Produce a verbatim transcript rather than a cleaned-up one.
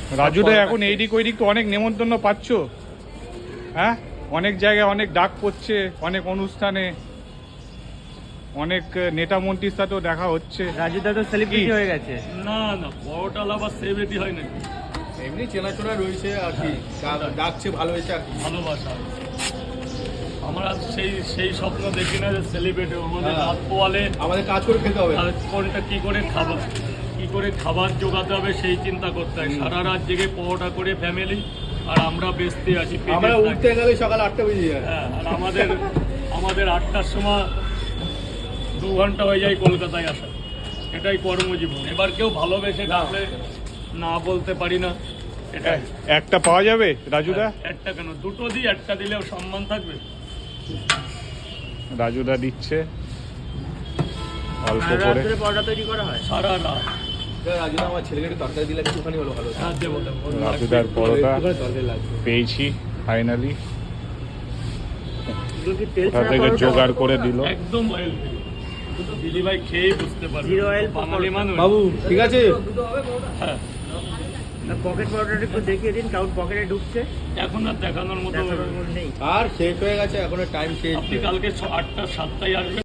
রাজুদা এখন এইদিক ওইদিক তো অনেক নেমন্তন্ন পাচ্ছ, হ্যাঁ? অনেক জায়গায় অনেক ডাক পড়ছে, অনেক অনুষ্ঠানে অনেক নেতা মন্ত্রীর সাথেও দেখা হচ্ছে। রাজুদা তো সেলিব্রিটি হয়ে গেছে। না না, বড়টাল আবার সেলিব্রিটি হয় না, এমনি চেনাচোনা রয়েছে আর কি, ডাকছে ভালো হয়েছে আর কি, ভালোবাসা। আমরা সেই সেই স্বপ্ন দেখি না যে সেলিব্রিটি আমাদের রাত পোয়ালে আমাদের কাজ করে খেতে হবে, আর কোনটা কি করে খাবার কি করে খাবার জোগাতে হবে সেই চিন্তা করতে হয়। সারা রাত জেগে পরোটা করে ফ্যামিলি, আর আমরা বেচতে আছি। আমরা উঠতে গেলে সকাল আটটা বেজে যায়। হ্যাঁ, আর আমাদের আমাদের আটটার সময় দু ঘন্টা হয়ে যায় কলকাতায় আসা, এটাই কর্মজীবন। এবার কেউ ভালোবেসে ডাকলে না বলতে পারি না, এটাই। একটা পাওয়া যাবে রাজুদা? একটা কেন, দুটো দিই, একটা দিলেও সম্মান থাকবে। রাজুদা দিচ্ছে অল্প আর করে। রাত্রে পরোটা তৈরি করা হয় সারা রাত। রাজু আমার ছেলেকে একটু তরকারি দিলে একটুখানি হলো ভালো হতো। হ্যাঁ, দেবো দেবো। রাজুদার পরোটা একটুখানি তরকারি লাগবে। পেয়েছি ফাইনালি, এগুলো কি তেল কোথা ছাড়া থেকে পরোটা? জোগাড় করে দিল। একদম অয়েল ফ্রি। শুধু দিদি ভাই খেয়েই বুঝতে পারবে, Zero oil বাঙালি মানুষ। বাবু ঠিক আছে, হ্যাঁ, পকেট পরোটাটা একটু দেখিয়ে দিন, কারণ পকেটে ঢুকছে, এখন আর দেখানোর মতো দেখানোর মতো নেই। আর শেষ হয়ে গেছে, এখনো টাইম শেষ। আপনি কালকে ছ- আটটা সাতটায় আসবেন।